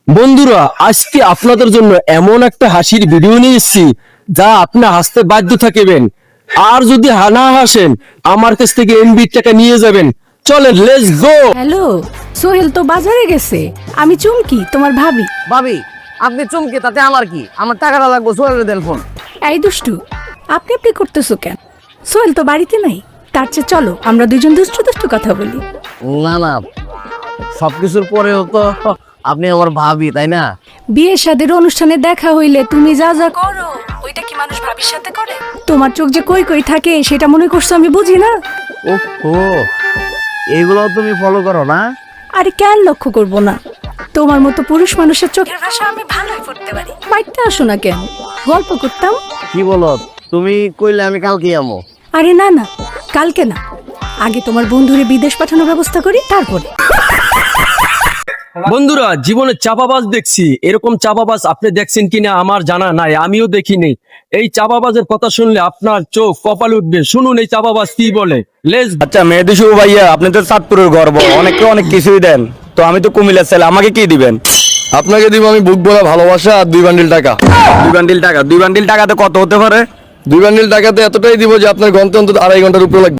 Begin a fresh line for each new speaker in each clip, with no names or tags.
বন্ধুরা, আজকে আপনাদের জন্য এমন একটা হাসির ভিডিও নিয়ে এসেছি যা আপনি হাসতে বাধ্য থাকবেন। আর যদি না হাসেন, আমার কাছ থেকে এমবি টাকা নিয়ে যাবেন। চলেন, লেটস গো।
হ্যালো, সোহেল তো বাজারে গেছে। আমি চুমকি, তোমার ভাবি।
ভাবি, আপনি চমকে তাতে আমার কি? আমার টাকাটা লাগবে, সোহেলের দেন ফোন।
এই দুষ্টু, আপনি করতেছো কেন? সোহেল তো বাড়িতে নাই। তার চেয়ে চলো আমরা দুজন দুষ্টু দুষ্টু কথা বলি।
না না, সবকিছুর পরেও তো আপনি আমার ভাবি, তাই না?
বিয়ে শাদীর অনুষ্ঠানে দেখা হইলে তুমি যা যা করো, ওইটা কি মানুষ ভাবির সাথে করে? তোমার চোখ যে কই কই থাকে সেটা মনে করছো আমি বুঝি না?
ওহো, এইগুলো তুমি ফলো করো না?
আরে কেন লক্ষ্য করব না? তোমার মতো পুরুষ মানুষের চোখের ভাষা আমি ভালোই পড়তে পারি। বাড়িতে আসো না কেন? গল্প করতাম।
কি বলো তুমি? কইলে আমি কালকে যাবো।
আরে না না, কালকে না, আগে তোমার বন্ধুরে বিদেশ পাঠানোর ব্যবস্থা করি, তারপরে।
বন্ধুরা, জীবনে চাপাবাজ দেখছি, এরকম চাপাবাজ আপনি দেখছেন কিনা আমার জানা নাই, আমিও দেখিনি। এই চাপাবাজের কথা শুনলে আপনার চোখ কপাল উঠবে। শুনুন এই চাপাবাজ কি বলে। লেটস।
আচ্ছা মেহেদি শুভ ভাইয়া, আপনি তো চাঁদপুরের গর্ব, অনেকে অনেক কিছুই দেন, তো আমি তো কুমিল্লার ছেলে, আমাকে কি দিবেন?
আপনাকে দিব আমি বুক ভরা ভালোবাসা আর 2 বান্ডিল টাকা।
2 বান্ডিল টাকা? 2 বান্ডিল টাকাতে কত হতে পারে?
2 বান্ডিল টাকাতে এতটাই দিব যে আপনার গন্তে অন্তত 2.5 ঘন্টার উপরে লাগবে।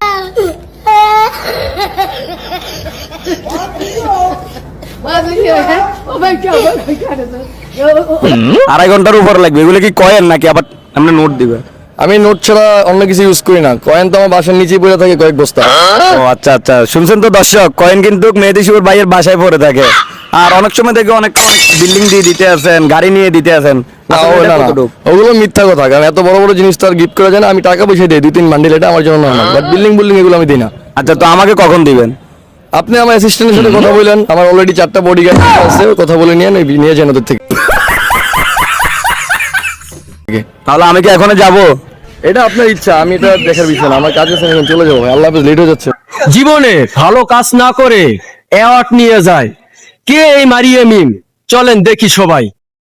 আড়াই ঘন্টার উপর লাগবে? এগুলো কি কয়েন নাকি আবার আমরা নোট দিবেন?
আমি নোট ছাড়া অন্য কিছু ইউজ করি না। কয়েন তো আমার বাসার নিচেই পড়ে থাকে কয়েক বস্তা।
ও আচ্ছা আচ্ছা, শুনছেন তো দর্শক, কয়েন কিন্তু মেহেদি শুভর ভাইয়ের বাসায় পড়ে থাকে। আর অনেক সময় দেখে অনেক বিল্ডিং দিয়ে দিতে আছেন, গাড়ি নিয়ে দিতে আছেন।
না, ওগুলো মিথ্যা কথা, কারণ এত বড় বড় জিনিস তো আর গিফট করা যায় না। আমি টাকা পয়সা দিই 2-3 বান্ডিল, এটা আমার জন্য নর্মাল, বাট বিল্ডিং এগুলো আমি দিই না।
আচ্ছা, তো আমাকে কখন দিবেন?
আপনি আমার অ্যাসিস্ট্যান্টের সাথে কথা বললেন, আমার অলরেডি 4টা বডিগার্ড আছে, কথা বলে নিয়ে যান ওদের থেকে।
তাহলে আমি কি এখনো যাবো?
এটা আপনার ইচ্ছা, আমি এটা দেখার বিষয় না। আমার কাজ আছে, আমি চলে যাবো। আল্লাহ হাফেজ, লেট হয়ে যাচ্ছে।
জীবনে ভালো কাজ না করে অ্যাওয়ার্ড নিয়ে যায় কে? এই মারিয়া মিম। চলেন দেখি সবাই।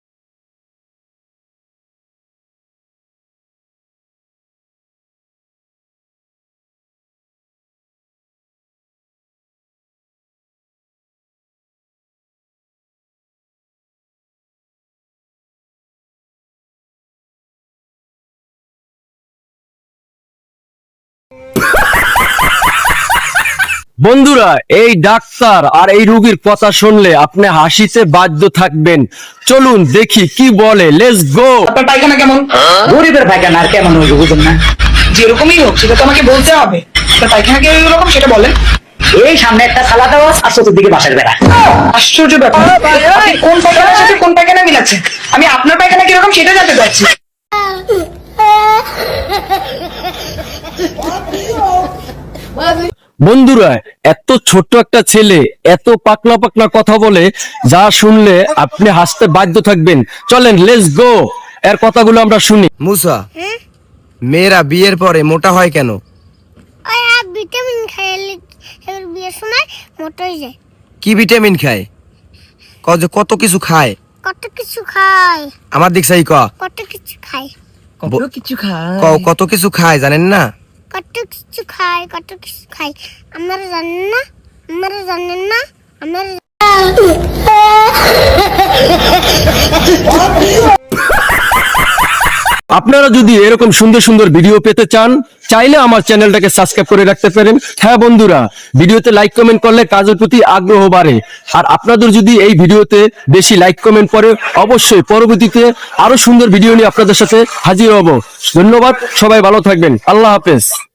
বন্ধুরা, এই ডাক্তার আর এই রোগীর কথা শুনলে আপনি হাসিতে বাধ্য থাকবেন। চলুন দেখি কি বলে। Let's go.
আপনার পায়খানা কেমন? গরিবের পায়খানা আর কেমন হইবে বুঝুন না? যেরকমই হোক সেটা তো আমাকে বলতে হবে। আপনার পায়খানা কিরকম সেটা বলেন। এই সামনে একটা থালা দেওয়া আর চতুর্দিকে বাঁশের বেড়া। আশ্চর্য ব্যাপার, আপনি কোন পায়খানার সাথে কোন পায়খানা মিলাচ্ছেন? আমি আপনার পায়খানা কিরকম সেটা জানতে চাচ্ছি।
বন্ধুরা, এত ছোট্ট একটা ছেলে এত পাকলা পাকলা কথা বলে, যা শুনলে আপনি হাসতে বাধ্য থাকবেন। চলেন লেটস গো, এর কথাগুলো আমরা শুনি।
মুসা, মেয়েরা বিয়ের পরে মোটা হয় কেন?
ভিটামিন খাইলে বিয়ের সময় মোটা হয়ে যায়।
কি ভিটামিন খায়? কত কিছু খায়।
কত কিছু খায়?
আমার দিক সাই
কত কিছু খায়?
কত কিছু খায় জানেন না?
কত কিছু খায়, কত কিছু খায়। আমরা জানেন না, আমরা জানেন না, আমরা।
আপনারা যদি এরকম সুন্দর সুন্দর ভিডিও পেতে চান, চাইলে আমার চ্যানেলটাকে সাবস্ক্রাইব করে রাখতে পারেন। হ্যাঁ বন্ধুরা, ভিডিওতে লাইক কমেন্ট করলে কাজের প্রতি আগ্রহ বাড়ে। আর আপনাদের যদি এই ভিডিওতে বেশি লাইক কমেন্ট পড়ে, অবশ্যই পরবর্তীতে আরো সুন্দর ভিডিও নিয়ে আপনাদের সাথে হাজির হব। ধন্যবাদ, সবাই ভালো থাকবেন। আল্লাহ হাফেজ।